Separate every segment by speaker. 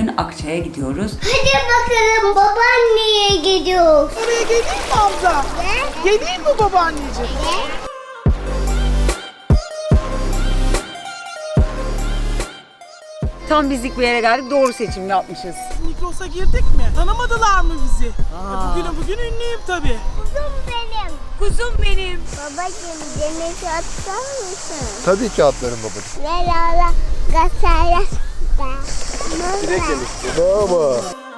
Speaker 1: bugün Akçay'a gidiyoruz.
Speaker 2: Hadi bakalım babaanneye gidiyoruz.
Speaker 3: Oraya geleyim mi Hamza? Geleyim mi babaanneciğim?
Speaker 1: Tam bizlik bir yere geldik. Doğru seçim yapmışız.
Speaker 3: Migros'a girdik mi? Tanımadılar mı bizi? Bugün ünlüyüm tabii.
Speaker 2: Kuzum benim.
Speaker 1: Kuzum benim.
Speaker 2: Babacığım denize atar mısın?
Speaker 4: Tabii ki atlarım babacığım.
Speaker 2: Merhaba gasaya.
Speaker 4: Baba.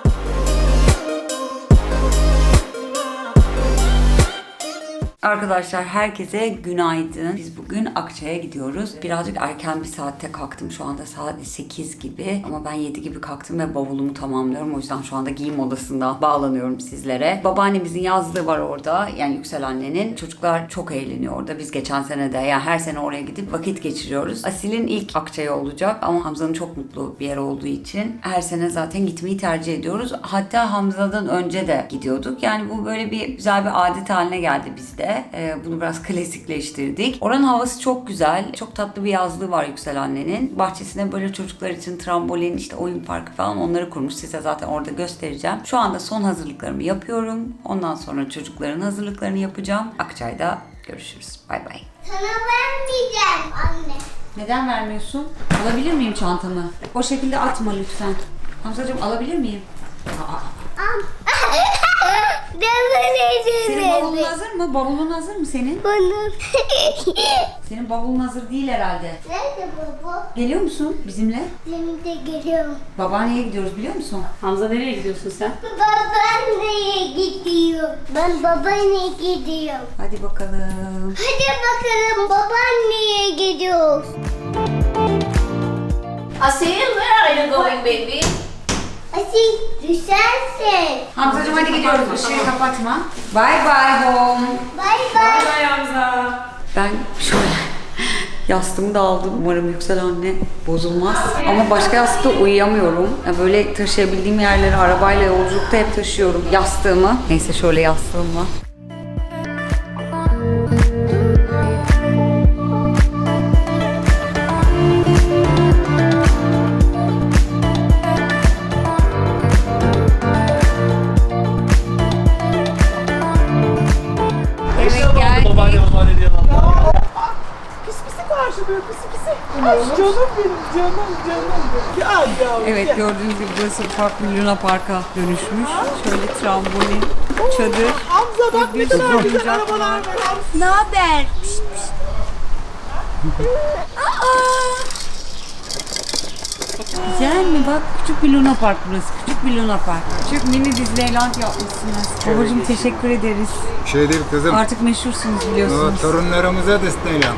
Speaker 1: Arkadaşlar herkese günaydın. Biz bugün Akçay'a gidiyoruz. Birazcık erken bir saatte kalktım. Şu anda saat 8 gibi. Ama ben 7 gibi kalktım ve bavulumu tamamlıyorum. O yüzden şu anda giyim odasında bağlanıyorum sizlere. Babaannemizin yazlığı var orada. Yani Yüksel annenin. Çocuklar çok eğleniyor orada. Biz geçen sene de yani her sene oraya gidip vakit geçiriyoruz. Asil'in ilk Akçay'a olacak. Ama Hamza'nın çok mutlu bir yer olduğu için her sene zaten gitmeyi tercih ediyoruz. Hatta Hamza'dan önce de gidiyorduk. Yani bu böyle bir güzel bir adet haline geldi bizde. Bunu biraz klasikleştirdik. Oranın havası çok güzel. Çok tatlı bir yazlığı var Yüksel annenin. Bahçesine böyle çocuklar için trambolin, işte oyun parkı falan onları kurmuş. Size zaten orada göstereceğim. Şu anda son hazırlıklarımı yapıyorum. Ondan sonra çocukların hazırlıklarını yapacağım. Akçay'da görüşürüz. Bay bay.
Speaker 2: Sana vermeyeceğim anne.
Speaker 1: Neden vermiyorsun? Alabilir miyim çantamı? O şekilde atma lütfen. Hamzacığım alabilir miyim? Senin bavulun hazır mı? Bavulun hazır mı senin?
Speaker 2: Bunun.
Speaker 1: Senin bavulun hazır değil herhalde.
Speaker 2: Nerede baba?
Speaker 1: Geliyor musun bizimle?
Speaker 2: Benim de geliyorum.
Speaker 1: Babaanneye gidiyoruz biliyor musun?
Speaker 5: Hamza nereye gidiyorsun sen?
Speaker 2: Babaanneye gidiyor. Ben babaanneye gidiyorum.
Speaker 1: Hadi bakalım.
Speaker 2: Hadi bakalım babaanneye gidiyoruz.
Speaker 5: Asil, where are you going baby?
Speaker 2: Asil düşersin.
Speaker 1: Hamzacığım hadi gidiyoruz. Işığı kapatma. Bye bye home.
Speaker 2: Bay bay.
Speaker 5: Bye Hamza.
Speaker 1: Ben şöyle yastığımı da aldım. Umarım Yüksel anne bozulmaz. Ama başka yastıkta uyuyamıyorum. Yani böyle taşıyabildiğim yerleri arabayla yolculukta hep taşıyorum yastığımı. Neyse şöyle yastığımla.
Speaker 3: Pis pisi karşılıyor, pisi pisi. Ay canım benim, canım. Gel yavrum.
Speaker 1: Evet
Speaker 3: gel.
Speaker 1: gördüğünüz gibi burası ufak bir Luna Park'a dönüşmüş. Şöyle trambolin, çadır.
Speaker 3: Hamza bak ne
Speaker 1: bir
Speaker 3: kadar
Speaker 1: sürü
Speaker 3: güzel
Speaker 1: oyuncak
Speaker 3: arabalar
Speaker 1: var.
Speaker 3: var. Hamza.
Speaker 1: Ne haber? Güzel mi? Bak küçük bir Luna Park burası. Küçük bir Luna Park. Küçük mini Disneyland yapmışsınız. Babacığım teşekkür ederiz.
Speaker 4: Şey değil kızım.
Speaker 1: Artık meşhursunuz
Speaker 4: O
Speaker 1: biliyorsunuz.
Speaker 4: torunlarımıza Disneyland.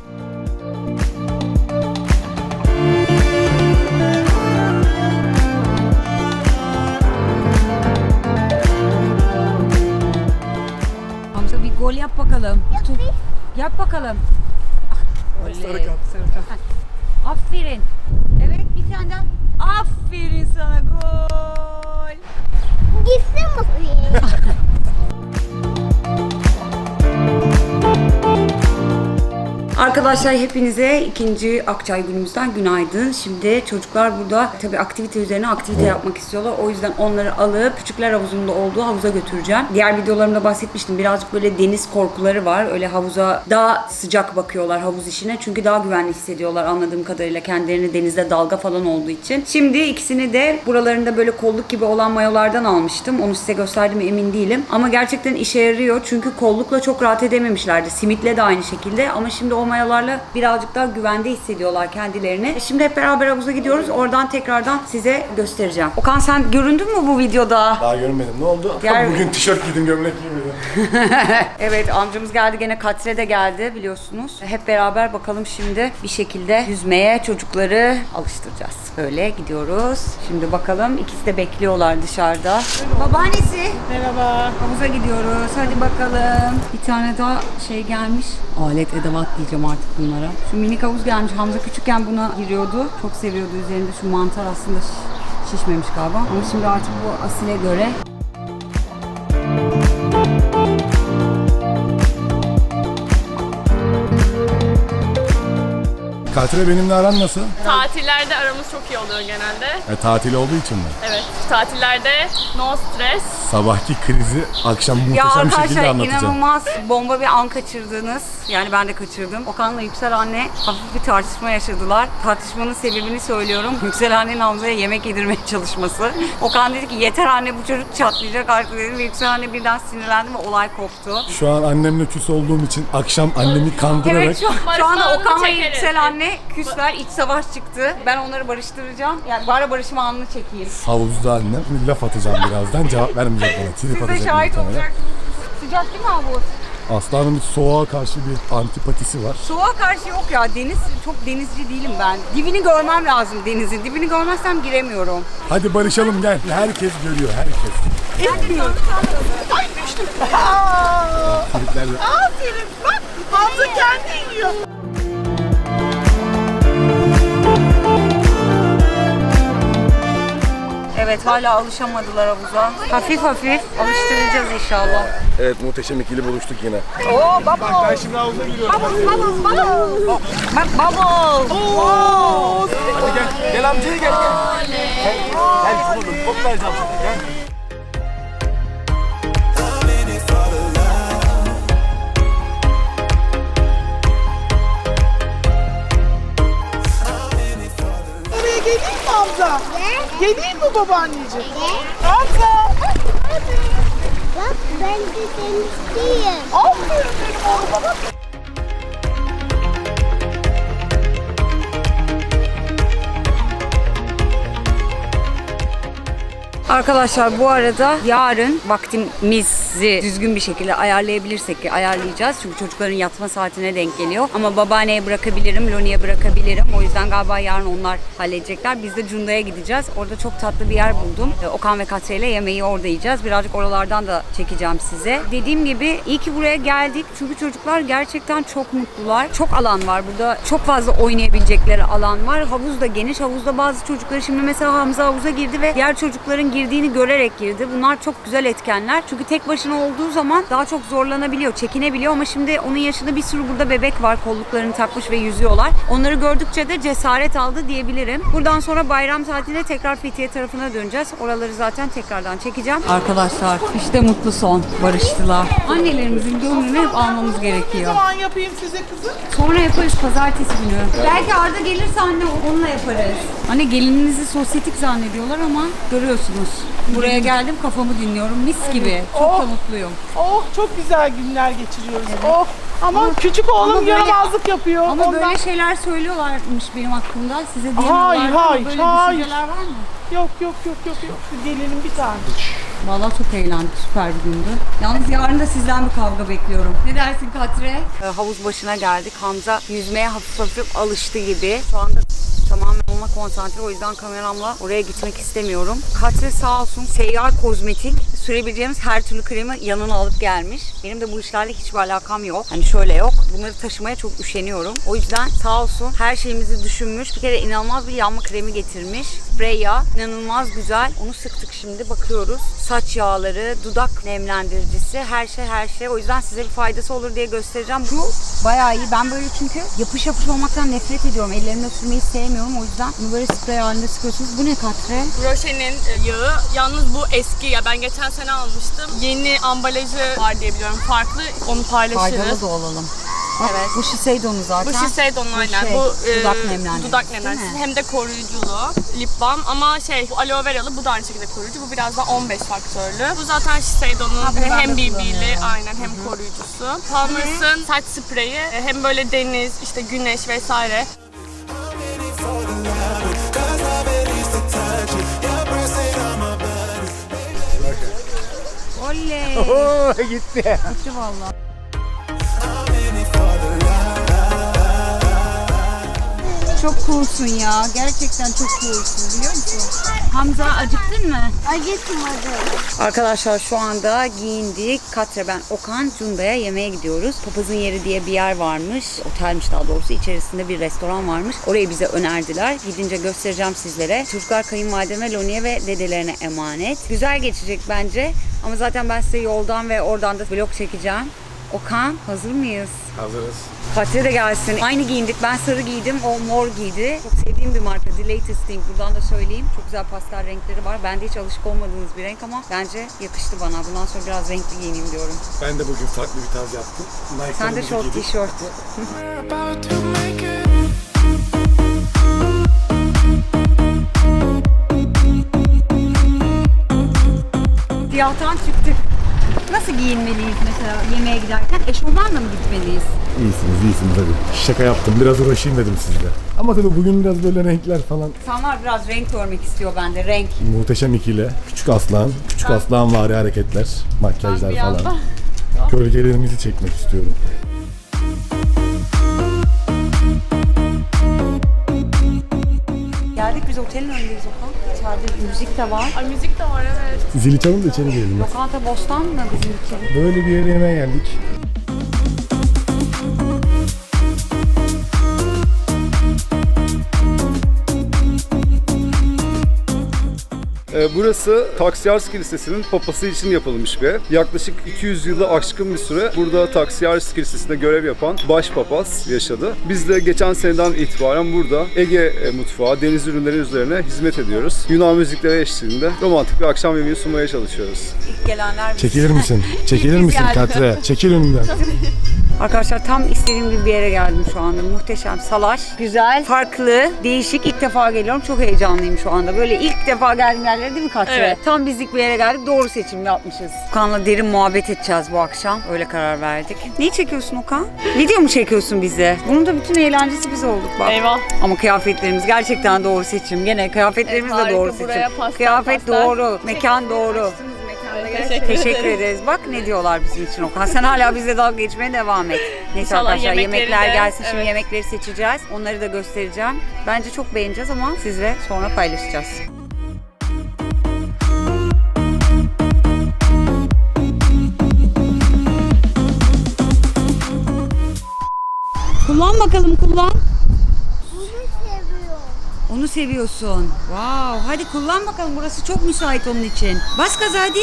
Speaker 1: Hamza bir gol yap bakalım. Yap bakalım. Sarı kart. Aferin. Evet bir tane daha. Aferin sana gol.
Speaker 2: Gitsin mi?
Speaker 1: Arkadaşlar hepinize ikinci Akçay günümüzden günaydın. Şimdi çocuklar burada tabii aktivite üzerine aktivite yapmak istiyorlar. O yüzden onları alıp küçükler havuzunda olduğu havuza götüreceğim. Diğer videolarımda bahsetmiştim. Birazcık böyle deniz korkuları var. Öyle havuza daha sıcak bakıyorlar havuz işine. Çünkü daha güvenli hissediyorlar anladığım kadarıyla kendilerini denizde dalga falan olduğu için. Şimdi ikisini de buralarında böyle kolluk gibi olan mayolardan almıştım. Onu size gösterdim mi emin değilim. Ama gerçekten işe yarıyor. Çünkü kollukla çok rahat edememişlerdi. Simitle de aynı şekilde. Ama şimdi o mayolarla birazcık daha güvende hissediyorlar kendilerini. Şimdi hep beraber havuza gidiyoruz. Oradan tekrardan size göstereceğim. Okan sen göründün mü bu videoda?
Speaker 4: Daha görmedim. Ne oldu? Bugün tişört giydim, gömlek giymedim.
Speaker 1: Evet amcamız geldi gene Katre de geldi biliyorsunuz. Hep beraber bakalım şimdi bir şekilde yüzmeye çocukları alıştıracağız. Öyle gidiyoruz. Şimdi bakalım ikisi de bekliyorlar dışarıda. Babaannesi.
Speaker 3: Merhaba.
Speaker 1: Havuza gidiyoruz. Hadi bakalım. Bir tane daha şey gelmiş. Alet edevat diyeceğim artık bunlara. Şu minik havuz gelmiş. Hamza küçükken buna giriyordu. Çok seviyordu. Üzerinde şu mantar aslında şişmemiş galiba. Ama şimdi artık bu Asil'e göre
Speaker 4: Katre benimle aran nasıl?
Speaker 6: Tatillerde aramız çok iyi oluyor genelde.
Speaker 4: Tatil olduğu için mi?
Speaker 6: Evet. Tatillerde no stres.
Speaker 4: Sabahki krizi akşam
Speaker 1: Ya
Speaker 4: muhteşem bir şekilde
Speaker 1: arkadaşlar
Speaker 4: anlatacağım.
Speaker 1: inanılmaz bomba bir an kaçırdınız. Yani ben de kaçırdım. Okan'la Yüksel anne hafif bir tartışma yaşadılar. Tartışmanın sebebini söylüyorum. Yüksel annenin Hamza'ya yemek yedirmeye çalışması. Okan dedi ki yeter anne bu çocuk çatlayacak artık dedi. Ve Yüksel anne birden sinirlendi ve olay koptu.
Speaker 4: Şu an annemle küs olduğum için akşam annemi kandırarak
Speaker 1: Evet şu anda
Speaker 6: Barışma
Speaker 1: Okan ve
Speaker 6: anını çekeriz.
Speaker 1: Yüksel anne küsler, iç savaş çıktı. Ben onları barıştıracağım. Yani bari barışma anını çekeyim.
Speaker 4: havuzda annem laf atacağım birazdan, cevap vermeyecek bana. Trip
Speaker 1: Siz de
Speaker 4: atacak
Speaker 1: şahit
Speaker 4: muhtemelen.
Speaker 1: olacaksınız. Sıcak değil mi havuz?
Speaker 4: Aslanın bir soğuğa karşı bir antipatisi var.
Speaker 1: Soğuğa karşı yok ya. Deniz, çok denizci değilim ben. Dibini görmem lazım denizin. Dibini görmezsem giremiyorum.
Speaker 4: Hadi barışalım gel. Herkes görüyor, herkes.
Speaker 3: Etmiyor. Ay düştüm. Aa,
Speaker 4: Triplerle.
Speaker 3: aferin bak. Hamza kendi iniyor.
Speaker 1: Evet hala alışamadılar havuza. Hafif hafif alıştıracağız inşallah.
Speaker 4: Evet, muhteşem ikili buluştuk yine.
Speaker 1: Oo bubble.
Speaker 4: Ben şimdi havuza giriyorum.
Speaker 1: Bubble. Bak bubble.
Speaker 3: Oo,
Speaker 4: Hadi gel. Gel amcaya gel. Gel sana da top vereceğim sana. Gel.
Speaker 3: oraya geleyim mi Hamza?
Speaker 2: Ne?
Speaker 3: Geleyim mi babaanneciğim?
Speaker 2: Ne?
Speaker 3: Hamza. Hadi.
Speaker 2: Bak ben de temizliyim.
Speaker 3: Aferin benim oğluma bak.
Speaker 1: Arkadaşlar bu arada yarın vaktimizi düzgün bir şekilde ayarlayabilirsek ki ayarlayacağız. Çünkü çocukların yatma saatine denk geliyor. Ama babaanneye bırakabilirim, Loni'ye bırakabilirim. O yüzden galiba yarın onlar halledecekler. Biz de Cunda'ya gideceğiz. Orada çok tatlı bir yer buldum. Okan ve Katya ile yemeği orada yiyeceğiz. Birazcık oralardan da çekeceğim size. Dediğim gibi iyi ki buraya geldik. Çünkü çocuklar gerçekten çok mutlular. Çok alan var burada. Çok fazla oynayabilecekleri alan var. Havuz da geniş. Havuzda bazı çocukları şimdi mesela Hamza havuza girdi ve diğer çocukların girdiğini görerek girdi. Bunlar çok güzel etkenler. Çünkü tek başına olduğu zaman daha çok zorlanabiliyor, çekinebiliyor ama şimdi onun yaşında bir sürü burada bebek var. Kolluklarını takmış ve yüzüyorlar. Onları gördükçe de cesaret aldı diyebilirim. Buradan sonra bayram tatilinde tekrar Fethiye tarafına döneceğiz. Oraları zaten tekrardan çekeceğim. Arkadaşlar işte mutlu son. Barıştılar. Annelerimizin gönlünü hep almamız
Speaker 3: Ne
Speaker 1: gerekiyor.
Speaker 3: zaman yapayım size kızım?
Speaker 1: Sonra yaparız pazartesi günü. Belki Arda gelirse anne onunla yaparız. Anne gelininizi sosyetik zannediyorlar ama görüyorsunuz. Buraya geldim kafamı dinliyorum mis gibi. Çok da
Speaker 3: Oh.
Speaker 1: mutluyum.
Speaker 3: Oh çok güzel günler geçiriyoruz. Oh ama küçük oğlum
Speaker 1: böyle-
Speaker 3: yaramazlık yapıyor.
Speaker 1: Ama
Speaker 3: Ondan...
Speaker 1: böyle şeyler söylüyorlarmış benim hakkımda. Size diyemiyorlar.
Speaker 3: Hayır,
Speaker 1: ama
Speaker 3: hayır,
Speaker 1: böyle
Speaker 3: hayır.
Speaker 1: düşünceler var mı?
Speaker 3: Yok. Gelinim bir tane.
Speaker 1: Vallahi çok eğlendik. Süper bir gündü. Yalnız yarın da sizden bir kavga bekliyorum. Ne dersin Katre? Havuz başına geldik. Hamza yüzmeye hafif hafif alıştı gibi. Şu anda tamamen ona konsantre. O yüzden kameramla oraya gitmek istemiyorum. Katre sağ olsun seyyar kozmetik sürebileceğimiz her türlü kremi yanına alıp gelmiş. Benim de bu işlerle hiçbir alakam yok. Hani şöyle yok. Bunları taşımaya çok üşeniyorum. O yüzden sağ olsun her şeyimizi düşünmüş. Bir kere inanılmaz bir yanma kremi getirmiş. Sprey yağ. İnanılmaz güzel. Onu sıktık şimdi bakıyoruz. Saç yağları, dudak nemlendiricisi, her şey. O yüzden size bir faydası olur diye göstereceğim. Şu bayağı iyi. Ben böyle çünkü yapış olmaktan nefret ediyorum. Ellerimle sürmeyi sevmiyorum. O yüzden bunu böyle sprey halinde sıkıyorsunuz. Bu ne Katre?
Speaker 6: Roche'nin yağı. Yalnız bu eski ya. Ben geçen sene almıştım. Yeni ambalajı var diye biliyorum. Farklı. Onu paylaşırız.
Speaker 1: Faydalı da olalım. Bak,
Speaker 6: Evet.
Speaker 1: Bu Shiseido'nun zaten.
Speaker 6: Bu Shiseido'nun aynen.
Speaker 1: şey,
Speaker 6: Bu
Speaker 1: dudak nemlendiricisi,
Speaker 6: dudak
Speaker 1: değil
Speaker 6: nemlendiricisi.
Speaker 1: mi?
Speaker 6: Hem de koruyuculu. Lip balm ama bu aloe veralı. Bu da aynı şekilde koruyucu. Bu biraz daha 15 faktörlü. Bu zaten Shiseido'nun
Speaker 1: bunu ben
Speaker 6: hem
Speaker 1: de
Speaker 6: BB'li
Speaker 1: kullanıyorum.
Speaker 6: aynen hem koruyucusu. Palmers'ın saç spreyi. Hem böyle deniz, işte güneş vesaire.
Speaker 1: Oley.
Speaker 4: Oo, gitti.
Speaker 1: Gitti valla. Çok coolsun ya. Gerçekten çok coolsun biliyor musun? Hamza acıktın mı?
Speaker 2: Acıtmadı.
Speaker 1: Arkadaşlar şu anda giyindik. Katre, ben, Okan, Cunda'ya yemeğe gidiyoruz. Papazın Yeri diye bir yer varmış. Otelmiş daha doğrusu. İçerisinde bir restoran varmış. Orayı bize önerdiler. Gidince göstereceğim sizlere. Çocuklar kayınvalideme, Loni'ye ve dedelerine emanet. Güzel geçecek bence. Ama zaten ben size yoldan ve oradan da vlog çekeceğim. Okan hazır mıyız?
Speaker 4: Hazırız.
Speaker 1: Katre de gelsin. Aynı giyindik. Ben sarı giydim. O mor giydi. Çok sevdiğim bir marka. The Latest Thing. Buradan da söyleyeyim. Çok güzel pastel renkleri var. Bende hiç alışık olmadığınız bir renk ama bence yakıştı bana. Bundan sonra biraz renkli giyineyim diyorum.
Speaker 4: Ben de bugün farklı bir tarz yaptım.
Speaker 1: Sen de şort, tişört. Siyahtan çıktık. Nasıl giyinmeliyiz mesela yemeğe giderken? Eşofmanla mı gitmeliyiz?
Speaker 4: İyisiniz hadi. Şaka yaptım. Biraz uğraşayım dedim sizle. Ama tabii bugün biraz böyle renkler falan.
Speaker 1: İnsanlar biraz renk görmek istiyor bende. Renk.
Speaker 4: Muhteşem ikili. Küçük aslan vari hareketler, makyajlar
Speaker 6: bir
Speaker 4: falan.
Speaker 6: anda-
Speaker 4: Gölgelerimizi çekmek istiyorum.
Speaker 1: Geldik biz otelin önündeyiz Okan. İçeride müzik de var.
Speaker 6: Ay müzik de var evet.
Speaker 4: Zili çalın da içeri girelim.
Speaker 1: Lokanta Bostan mı bizim için?
Speaker 4: Böyle bir yere yemeğe geldik.
Speaker 7: Burası Taksiyarski Lisesi'nin papası için yapılmış bir ev. Yaklaşık 200 yılı aşkın bir süre burada Taksiyarski Lisesi'nde görev yapan başpapaz yaşadı. Biz de geçen seneden itibaren burada Ege mutfağı, deniz ürünleri üzerine hizmet ediyoruz. Yunan müzikleri eşliğinde romantik bir akşam yemeği sunmaya çalışıyoruz.
Speaker 1: İlk gelenler biz.
Speaker 4: Çekilir misin? Çekilir misin Katre? Çekil önümden.
Speaker 1: Arkadaşlar tam istediğim gibi bir yere geldim şu anda. Muhteşem. Salaş, güzel, farklı, değişik. İlk defa geliyorum. Çok heyecanlıyım şu anda. Böyle ilk defa geldiğim yerlere değil mi Katre?
Speaker 6: Evet.
Speaker 1: Tam bizlik bir yere geldik. Doğru seçim yapmışız. Okan'la derin muhabbet edeceğiz bu akşam. Öyle karar verdik. Neyi çekiyorsun Okan? Video mu çekiyorsun bize? Bunun da bütün eğlencesi biz olduk bak.
Speaker 6: Eyvah.
Speaker 1: Ama kıyafetlerimiz gerçekten doğru seçim. Gene kıyafetlerimiz de
Speaker 6: Harika,
Speaker 1: doğru
Speaker 6: buraya
Speaker 1: seçim.
Speaker 6: pastel,
Speaker 1: Kıyafet
Speaker 6: pastel.
Speaker 1: doğru, mekan doğru. Teşekkür ederiz. Bak ne diyorlar bizim için Okan. Sen hala bizle dalga geçmeye devam et. Neyse
Speaker 6: İnşallah
Speaker 1: arkadaşlar
Speaker 6: yemekleri
Speaker 1: yemekler
Speaker 6: de,
Speaker 1: gelsin. Şimdi
Speaker 6: evet.
Speaker 1: yemekleri seçeceğiz. Onları da göstereceğim. Bence çok beğeneceğiz ama sizle sonra paylaşacağız. Kullan bakalım kullan.
Speaker 2: Bunu seviyorum.
Speaker 1: Onu seviyorsun. Wow. Hadi kullan bakalım. Burası çok müsait onun için. Bas gaza hadi.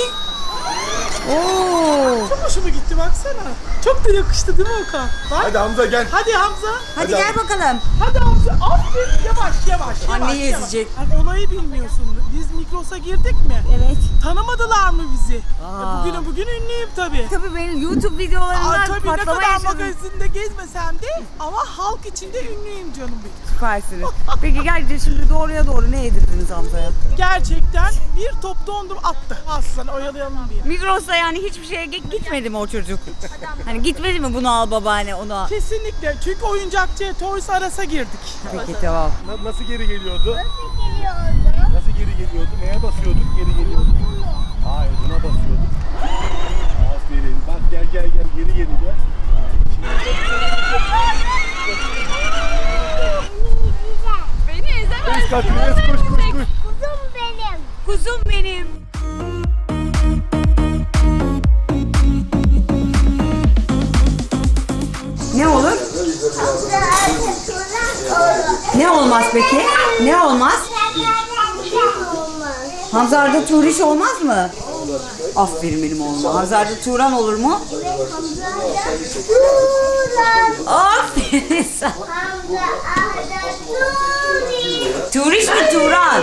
Speaker 1: Oo.
Speaker 3: Çok hoşuma gitti baksana. Çok da yakıştı değil mi Okan? Bak.
Speaker 4: Hadi Hamza gel.
Speaker 3: Hadi Hamza.
Speaker 1: Hadi gel bakalım.
Speaker 3: Hadi Hamza. Aferin. Yavaş.
Speaker 1: Anneyi
Speaker 3: yavaş.
Speaker 1: ezecek.
Speaker 3: Hani olayı bilmiyorsun. Biz Migros'a girdik mi?
Speaker 1: Evet.
Speaker 3: Tanımadılar mı bizi?
Speaker 1: Aa.
Speaker 3: Bugün ünlüyüm tabii.
Speaker 1: Tabii benim YouTube videolarımdan
Speaker 3: Tabii ne
Speaker 1: patlama
Speaker 3: kadar
Speaker 1: yaşadım.
Speaker 3: magazinde gezmesem de ama halk içinde ünlüyüm canım benim.
Speaker 1: Süpersiniz. Peki gerçekten şimdi doğruya doğru ne yedirdiniz Hamza'ya?
Speaker 3: Gerçekten bir top dondum attı. Aslan oyalayalım diye.
Speaker 1: Migros'ta yani hiçbir şeye gitmedi mi o çocuk? Hani gitmedi mi bunu al babaanne onu al?
Speaker 3: Kesinlikle. Çünkü oyuncakçıya Toys R Us'a girdik.
Speaker 1: Peki tamam.
Speaker 4: Nasıl geri geliyordu?
Speaker 2: Geliyordu.
Speaker 4: Nasıl geri geliyordu? Neye basıyorduk? Geri geliyorduk. Hayır buna basıyorduk. Aferin. Bak gel geri gel.
Speaker 6: Beni ezemez.
Speaker 4: Katre koş.
Speaker 2: Kuzum benim.
Speaker 1: Kuzum benim. Ne olur? Ne olmaz peki? Ne olmaz? Hamza Arda Turiş olmaz mı? Aferin benim oğluma. Hamza Arda Turan olur mu? Aferin sana. Turiş mi Turan?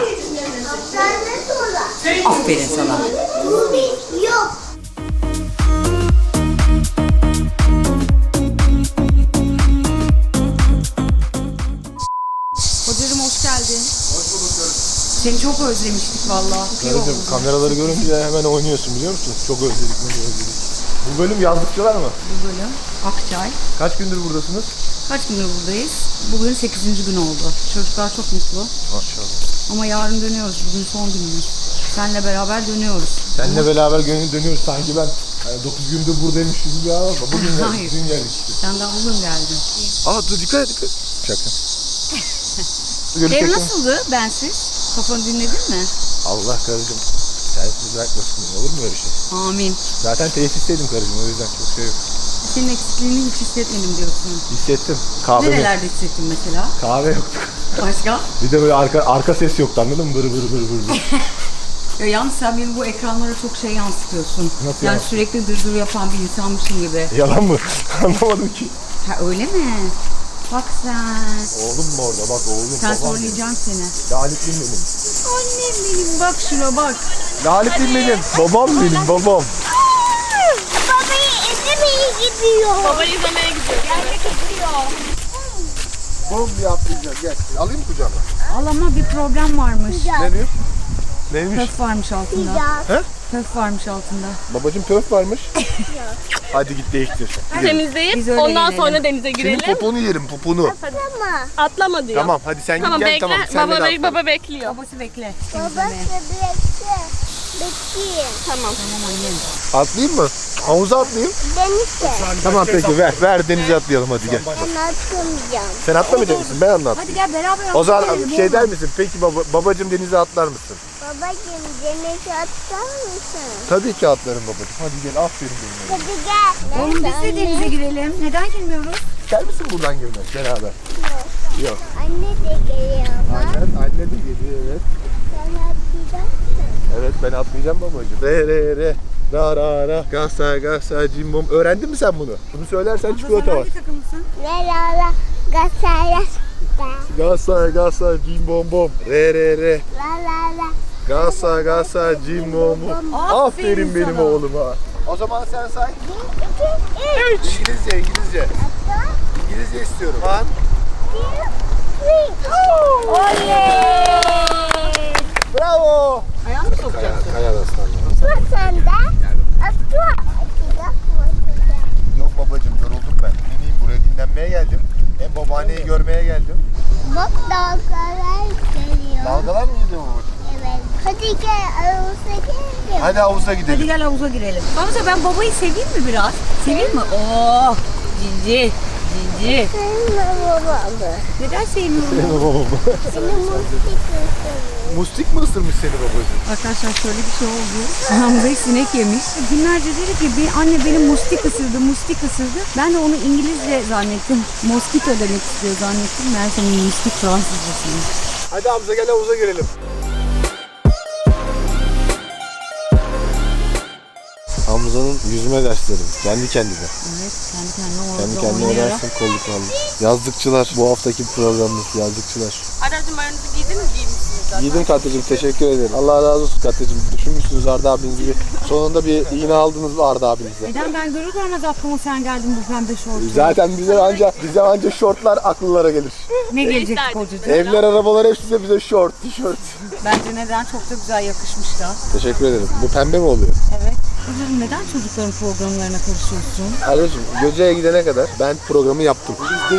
Speaker 1: Aferin sana.
Speaker 2: Yok.
Speaker 1: Hocam hoş geldin. Hoş bulduk. Seni çok özlemiştik vallahi.
Speaker 4: Karıcığım kameraları görünce hemen oynuyorsun biliyor musun? Çok özledik. Bu bölüm yazlıkçılar mı?
Speaker 1: Bu bölüm Akçay.
Speaker 4: Kaç gündür buradasınız?
Speaker 1: Kaç gündür buradayız? Bugün 8. gün oldu. Çocuklar çok mutlu.
Speaker 4: Maşallah.
Speaker 1: Ama yarın dönüyoruz. Bugün son günümüz. Seninle beraber dönüyoruz.
Speaker 4: Seninle beraber dönüyoruz sanki ben 9 gündür buradaymış gibi bir hava var. Bugün
Speaker 1: Hayır.
Speaker 4: geldik, dün geldik işte.
Speaker 1: Sen daha bugün geldin.
Speaker 4: Aa dur dikkat et. Şaka.
Speaker 1: Ev nasıldı bensiz? Kafanı dinledin mi?
Speaker 4: Allah karıcığım. Sensiz bırakmasın beni. Olur mu öyle şey?
Speaker 1: Amin.
Speaker 4: Zaten tesisteydim karıcığım o yüzden çok şey yok.
Speaker 1: Senin eksikliğini hiç hissetmedim diyorsun.
Speaker 4: Hissettim. Kahve
Speaker 1: Nerelerde hissettin mesela?
Speaker 4: Kahve yoktu.
Speaker 1: Başka?
Speaker 4: Bir de böyle arka ses yoktu anladın mı? Bır.
Speaker 1: Ya yalnız sen beni bu ekranlara çok şey yansıtıyorsun.
Speaker 4: Nasıl
Speaker 1: yani
Speaker 4: yansıtıyorsun?
Speaker 1: sürekli dırdır yapan bir insanmışım gibi.
Speaker 4: Yalan mı? Anlamadım ki.
Speaker 1: Ha öyle mi? Bak sen.
Speaker 4: Oğlum mu orada? Bak oğlum.
Speaker 1: Sen
Speaker 4: babam
Speaker 1: zorlayacağım seni.
Speaker 4: benim. Laletliyim benim.
Speaker 1: Annem benim bak şuna bak.
Speaker 4: Laletliyim benim. Babam benim babam.
Speaker 2: Babayı izlemeye gidiyor.
Speaker 6: Baba izlemeye gidiyor.
Speaker 4: Bom diye atlayacağım. Gel. Alayım mı kucağıma?
Speaker 1: Al ama bir problem varmış.
Speaker 4: Ne diyor? Neymiş?
Speaker 1: Töf varmış altında.
Speaker 2: Güzel.
Speaker 1: Töf varmış altında.
Speaker 4: Babacım töf varmış. Hadi git değiştir.
Speaker 6: Temizleyip
Speaker 1: Biz öyle
Speaker 6: ondan
Speaker 1: girelim.
Speaker 6: sonra denize
Speaker 4: Senin
Speaker 6: girelim.
Speaker 4: poponu yerim poponu.
Speaker 2: Ama
Speaker 6: Atlama diyor.
Speaker 4: Tamam hadi sen
Speaker 6: Tamam
Speaker 4: git gel
Speaker 6: bekle.
Speaker 4: tamam. Sen
Speaker 6: Baba,
Speaker 4: de atla.
Speaker 6: baba bekliyor.
Speaker 1: Babası bekle.
Speaker 2: babası
Speaker 1: temizlemeye.
Speaker 2: bekle.
Speaker 6: Tamam.
Speaker 4: Atlayayım mı? Havuza atlayayım.
Speaker 2: Denize.
Speaker 4: Tamam peki ver denize atlayalım hadi gel.
Speaker 2: Ben atmayacağım.
Speaker 4: Sen atlamayacak mısın? Ben anlat.
Speaker 1: Hadi gel beraber
Speaker 4: O zaman
Speaker 1: atlayalım,
Speaker 4: şey
Speaker 1: olmaz.
Speaker 4: der misin? Peki babacım denize atlar mısın?
Speaker 2: Babacığım denize atar mısın?
Speaker 4: Tabii ki atlarım babacım. Hadi gel aferin benim.
Speaker 2: Hadi gel.
Speaker 1: Oğlum biz de denize girelim. Neden girmiyoruz?
Speaker 4: Gel misin buradan girmek beraber? Yok.
Speaker 2: Anne de geliyor ama.
Speaker 4: Anne de geliyor evet.
Speaker 2: Sen atlayacaksın.
Speaker 4: Evet ben atlayacağım babacım. Re ra gasa cimbom. Öğrendin mi sen bunu? Bunu söylersen çikolata var.
Speaker 1: Hangi takımlısın?
Speaker 2: Ne la la gasaya da.
Speaker 4: Gasa cimbom bom. Re
Speaker 2: La la la.
Speaker 4: gasa cimbom bom. Aferin benim
Speaker 1: sana.
Speaker 4: oğluma. O zaman sen say.
Speaker 2: 1, 2, 3.
Speaker 4: İngilizce. İngilizce istiyorum.
Speaker 2: 1, 2, 3. Oley!
Speaker 4: Bravo.
Speaker 1: Ayağını mı sokacaksın?
Speaker 4: Kaya aslanlar.
Speaker 2: Atla sen de. Atla.
Speaker 4: Yok babacım yoruldum ben. Dinleyeyim buraya dinlenmeye geldim. Hem babaanneyi görmeye geldim.
Speaker 2: Bak dalgalar geliyor.
Speaker 4: Dalgalar mı gidiyor babacım?
Speaker 2: Evet. Hadi gel aramıza gidelim.
Speaker 4: Hadi havuza gidelim.
Speaker 1: Hadi gel havuza girelim. Hamza ben babayı seveyim mi biraz? Seveyim mi? Oh! Cici. Cici.
Speaker 2: Sevme babamı.
Speaker 1: Neden sevmiyorum?
Speaker 2: Seni mustik ısırıyor.
Speaker 4: Mustik mi ısırmış seni babacım?
Speaker 1: Arkadaşlar şöyle bir şey oldu. Hamza'yı sinek yemiş. Günlerce dedi ki anne benim mustik ısırdı, mustik ısırdı. Ben de onu İngilizce zannettim. Mosquito demek istiyor zannettim. Meğerse mustik Fransızcasıymış.
Speaker 4: Hadi Hamza gel havuza girelim. Hamza'nın yüzme dersleri. Kendi kendine.
Speaker 1: Evet, kendi kendine orada
Speaker 4: Kendi kendine
Speaker 1: oynayarak.
Speaker 4: öğrensin kolluk vallahi. Yazlıkçılar. Bu haftaki programımız yazlıkçılar.
Speaker 6: Aracım ayağınızı giydiniz giymişsiniz zaten.
Speaker 4: Giydim Katya'cığım teşekkür ederim. Allah razı olsun Katya'cığım. Düşünmüşsünüz Arda abiniz gibi. Sonunda bir iğne aldınız mı Arda abinize?
Speaker 1: Neden ben görür görmez aklıma sen geldin bu pembe şortu.
Speaker 4: Zaten bize anca şortlar akıllara gelir.
Speaker 1: Ne gelecek
Speaker 6: İsterdim.
Speaker 1: kocacığım?
Speaker 4: Evler, arabalar hepsi bize şort, tişört.
Speaker 1: Bence neden çok da güzel yakışmış da.
Speaker 4: Teşekkür ederim. Bu pembe mi oluyor?
Speaker 1: Evet. Kocacığım neden çocukların programlarına karışıyorsun?
Speaker 4: Kardeşim Göce'ye gidene kadar ben programı yaptım.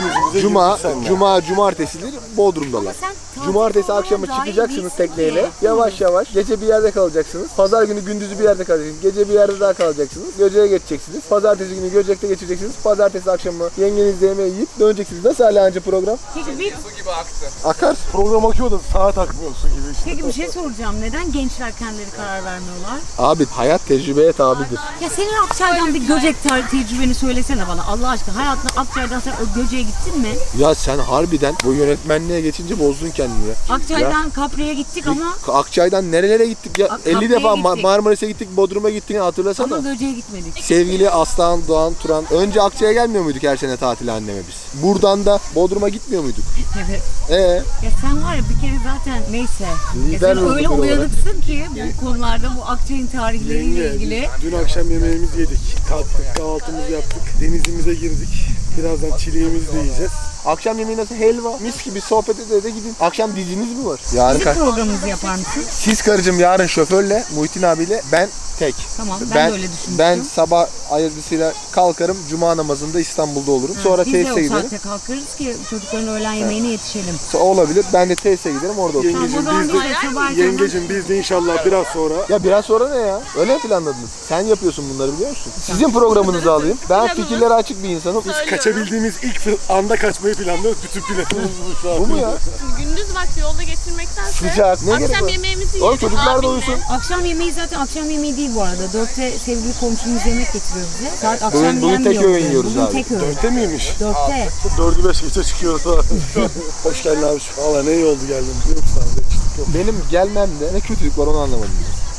Speaker 4: Cumartesileri Bodrum'dalar.
Speaker 1: Sen
Speaker 4: Cumartesi
Speaker 1: tatil
Speaker 4: akşamı
Speaker 1: programı
Speaker 4: çıkacaksınız
Speaker 1: dahil
Speaker 4: tekneyle.
Speaker 1: değilsin ki.
Speaker 4: Yavaş yavaş gece bir yerde kalacaksınız. Pazar günü gündüzü bir yerde kalacaksınız. Gece bir yerde daha kalacaksınız. Göce'ye geçeceksiniz. Pazartesi günü Göcek'te geçireceksiniz. Pazartesi akşamı yengenizle yemeği yiyip döneceksiniz. Nasıl hala anca program?
Speaker 1: Peki bir,
Speaker 4: Akar. Program akıyor da saat akmıyor su gibi işte.
Speaker 1: peki bir şey soracağım. Neden gençler kendileri karar vermiyorlar?
Speaker 4: Abi hayat tecrübeye tabidir.
Speaker 1: Ya senin Akçay'dan bir Göcek tecrübeni söylesene bana Allah aşkına. Hayatında Akçay'dan sen o Göcek'e gittin mi?
Speaker 4: Ya sen harbiden bu yönetmenliğe geçince bozdun kendini ya.
Speaker 1: Akçay'dan Kapre'ye gittik ama
Speaker 4: Akçay'dan nerelere gittik ya? 50
Speaker 1: Kapı'ya
Speaker 4: defa
Speaker 1: gittik.
Speaker 4: Marmaris'e gittik, Bodrum'a gittik hatırlasana.
Speaker 1: ama Göcek'e gitmedik.
Speaker 4: Sevgili Aslan, Doğan, Turan. Önce Akçay'a gelmiyor muyduk her sene tatile anneme biz? Buradan da Bodrum'a gitmiyor muyduk?
Speaker 1: Evet.
Speaker 4: Ee,
Speaker 1: Ya sen var ya bir kere zaten neyse. Ya
Speaker 4: Lider
Speaker 1: sen
Speaker 4: olduk
Speaker 1: öyle
Speaker 4: olarak.
Speaker 1: uyanıksın ki bu konularda bu Akçay'ın tarihleriyle ilgili.
Speaker 8: Dün akşam yemeğimizi yedik. Kalktık, kahvaltımızı yaptık. Denizimize girdik. Birazdan çileğimizi de yiyeceğiz.
Speaker 4: akşam yemeği nasıl? Helva. Mis gibi sohbet ede gidin. Akşam diziniz mi var? Yarın
Speaker 1: Bizim programımızı yapar mısın?
Speaker 4: Siz karıcığım yarın şoförle, Muhittin abiyle ben tek.
Speaker 1: Tamam ben de öyle düşünmüştüm.
Speaker 4: Ben sabah ayırtısıyla kalkarım. Cuma namazında İstanbul'da olurum. Sonra
Speaker 1: Biz de
Speaker 4: tesise
Speaker 1: o
Speaker 4: giderim.
Speaker 1: saatte kalkarız ki çocukların öğlen yemeğine yetişelim.
Speaker 4: Olabilir. Ben de tesise giderim orada otururum.
Speaker 1: Tamam o zaman biz de sabah erkenden-
Speaker 8: Yengecim biz de inşallah biraz sonra
Speaker 4: Ya biraz sonra ne ya? Öyle mi planladınız? Sen yapıyorsun bunları biliyor musun? Sizin programınızı alayım. Ben fikirlere açık bir insanım.
Speaker 8: kaçabildiğimiz ilk anda kaçmayı planlıyoruz. Bütün planımız bu şu an.
Speaker 4: Bu mu ya?
Speaker 6: Gündüz vakti yolda geçirmektense
Speaker 4: Sıcak. Ne gerek
Speaker 6: akşam
Speaker 4: var?
Speaker 6: yemeğimizi
Speaker 4: Oğlum
Speaker 6: yedik
Speaker 4: çocuklar da
Speaker 6: abimle.
Speaker 4: uyusun.
Speaker 1: Akşam yemeği zaten akşam yemeği değil bu arada. 4'te sevgili komşumuz yemek getiriyor bize. Saat akşam
Speaker 4: Bugün tek
Speaker 1: yenmiyor.
Speaker 4: öğün yiyoruz
Speaker 1: Bugün
Speaker 4: abi.
Speaker 1: tek öğün.
Speaker 8: 4'te miymiş?
Speaker 1: 4'te.
Speaker 8: 4'ü 5 geçe çıkıyoruz falan. Hoş geldin abi. Valla ne iyi oldu geldin. Yok sağ ol.
Speaker 4: Benim gelmemde ne kötülük var onu anlamadım.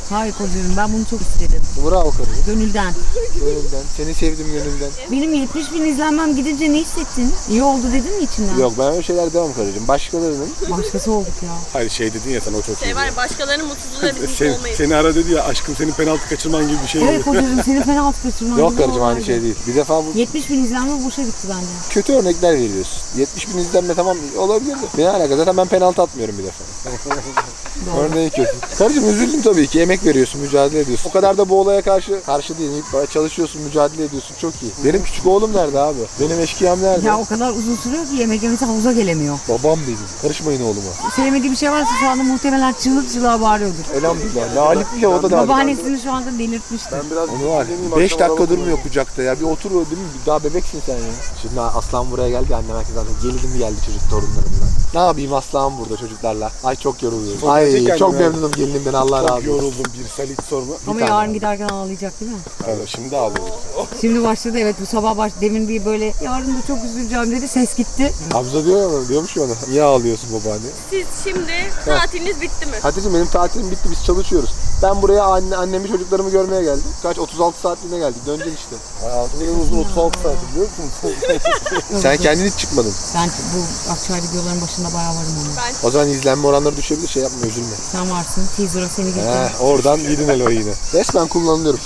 Speaker 1: Hayır kocacığım, ben bunu çok istedim.
Speaker 4: Bravo karıcığım.
Speaker 1: Gönülden.
Speaker 4: Gönülden. Seni sevdim gönülden.
Speaker 1: Benim 70 bin izlenmem gidince ne hissettin? İyi oldu dedin mi içinden?
Speaker 4: Yok, ben öyle şeyler demem karıcığım. Başkalarının.
Speaker 1: Başkası olduk ya.
Speaker 8: Hayır şey dedin ya sen o çok iyi.
Speaker 6: Şey var ya, başkalarının mutsuzluğuyla biz mutlu olmayız.
Speaker 8: Seni ara dedi ya aşkım senin penaltı kaçırman gibi bir şey.
Speaker 1: Evet kocacığım, senin penaltı kaçırman
Speaker 4: Yok
Speaker 1: gibi
Speaker 4: karıcığım, aynı
Speaker 1: olaydı.
Speaker 4: şey değil. Bir defa bu
Speaker 1: 70 bin izlenme boşa gitti bence.
Speaker 4: kötü örnekler veriyorsun. 70 bin izlenme tamam olabilir de. Ne alaka, zaten ben penaltı atmıyorum bir defa. Örneği kötü. Karıcığım üzüldüm tabii ki. Emek veriyorsun, mücadele ediyorsun. O kadar da bu olaya karşı değil. Çalışıyorsun, mücadele ediyorsun. Çok iyi. Benim küçük oğlum nerede abi? Benim eşkıyam nerede?
Speaker 1: Ya o kadar uzun sürüyor ki yemek yemesi havuza gelemiyor.
Speaker 4: Babam benim. Karışmayın oğluma.
Speaker 1: Sevmediği bir şey varsa şu anda muhtemelen çığlık çığlığa bağırıyordur.
Speaker 4: Elhamdülillah. Lalip bile o da daha.
Speaker 1: Babaannesini şu anda delirtmiştir.
Speaker 4: Onu var. 5 dakika durmuyor kucakta ya. Bir otur değil mi? Daha bebeksin sen ya. Şimdi Aslan buraya geldi. Annem herkes zaten gelinim geldi çocuk torunlarımla. Ne yapayım Aslan burada çocuklarla. Ay çok yoruluyorum. Ay çok memnunum gelinimden, Allah razı
Speaker 8: Çok
Speaker 4: olsun.
Speaker 8: yoruldum bir salit sorma.
Speaker 1: Ama yarın giderken ağlayacak değil mi?
Speaker 8: Şimdi ağlıyorum.
Speaker 1: Şimdi başladı, evet, bu sabah demin bir böyle yarın da çok üzüleceğim dedi, ses gitti.
Speaker 4: Hamza diyormuş ya ona. Niye ağlıyorsun babaanne?
Speaker 6: Siz şimdi tatiliniz bitti mi?
Speaker 4: Hatice'm benim tatilim bitti, biz çalışıyoruz. Ben buraya annemi çocuklarımı görmeye geldim. Kaç 36 saatliğine geldik. Döneceksin işte.
Speaker 8: Hayatımın uzun 36 saati biliyor musun?
Speaker 4: Sen kendin hiç çıkmadın.
Speaker 1: Ben bu Akçay videoların başında bayağı varım ama.
Speaker 4: O zaman izlenme oranları düşebilir, şey yapma, üzülme.
Speaker 1: Sen varsın, teaser'a seni getirdim.
Speaker 4: Oradan yedin el o yine. Resmen kullanılıyorum.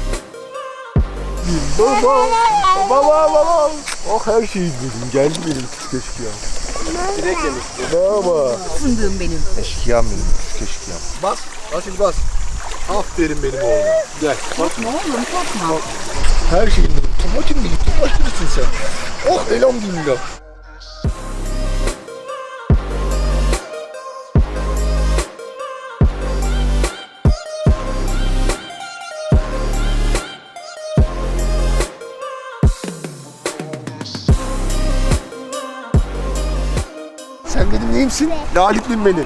Speaker 4: Baba. Oh her şeyi izledim. Geldi benim küçük eşkıyam. Direkt yemek. Baba.
Speaker 1: Fındığım benim.
Speaker 4: Eşkıyam benim, küçük eşkıyam. Bas, Asil bas. Aferin benim oğlum. Gel. Bak.
Speaker 1: Ne oğlum, korkma.
Speaker 4: Her şeyin benim. Tumacım benim. Tumacımsın sen. Oh elhamdülillah. Sen benim neyimsin? Laliplim benim.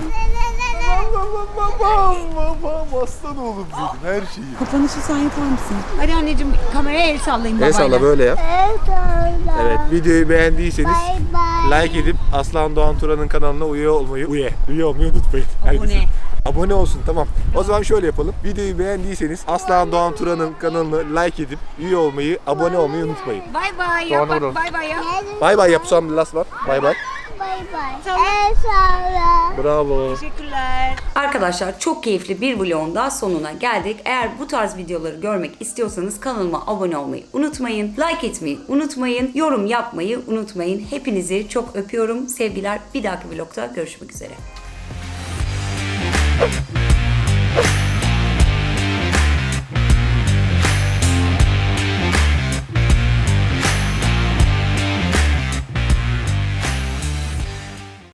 Speaker 4: Babam, aslan oğlum benim, her şeyi.
Speaker 1: Kapanışı sen yapar mısın? Hadi anneciğim, kameraya el sallayın babayla.
Speaker 4: El salla böyle yap. Evet, videoyu beğendiyseniz
Speaker 2: Bye bye.
Speaker 4: like edip Aslan Doğan Turan'ın kanalına üye olmayı unutmayın.
Speaker 1: Abone.
Speaker 4: Abone olsun, tamam. O zaman şöyle yapalım. Videoyu beğendiyseniz Aslan Doğan Turan'ın kanalını like edip üye olmayı, abone olmayı unutmayın.
Speaker 1: Bay bay
Speaker 4: Doğan
Speaker 1: yap, bak
Speaker 4: oğlum.
Speaker 1: bay bay yap.
Speaker 4: Bay bay yap, son bir last var. Bay bay.
Speaker 2: Bye bye. El salla.
Speaker 4: Bravo.
Speaker 1: Teşekkürler. Arkadaşlar çok keyifli bir vlogun daha sonuna geldik. Eğer bu tarz videoları görmek istiyorsanız kanalıma abone olmayı unutmayın. Like etmeyi unutmayın. Yorum yapmayı unutmayın. Hepinizi çok öpüyorum. Sevgiler. Bir dahaki vlogda görüşmek üzere.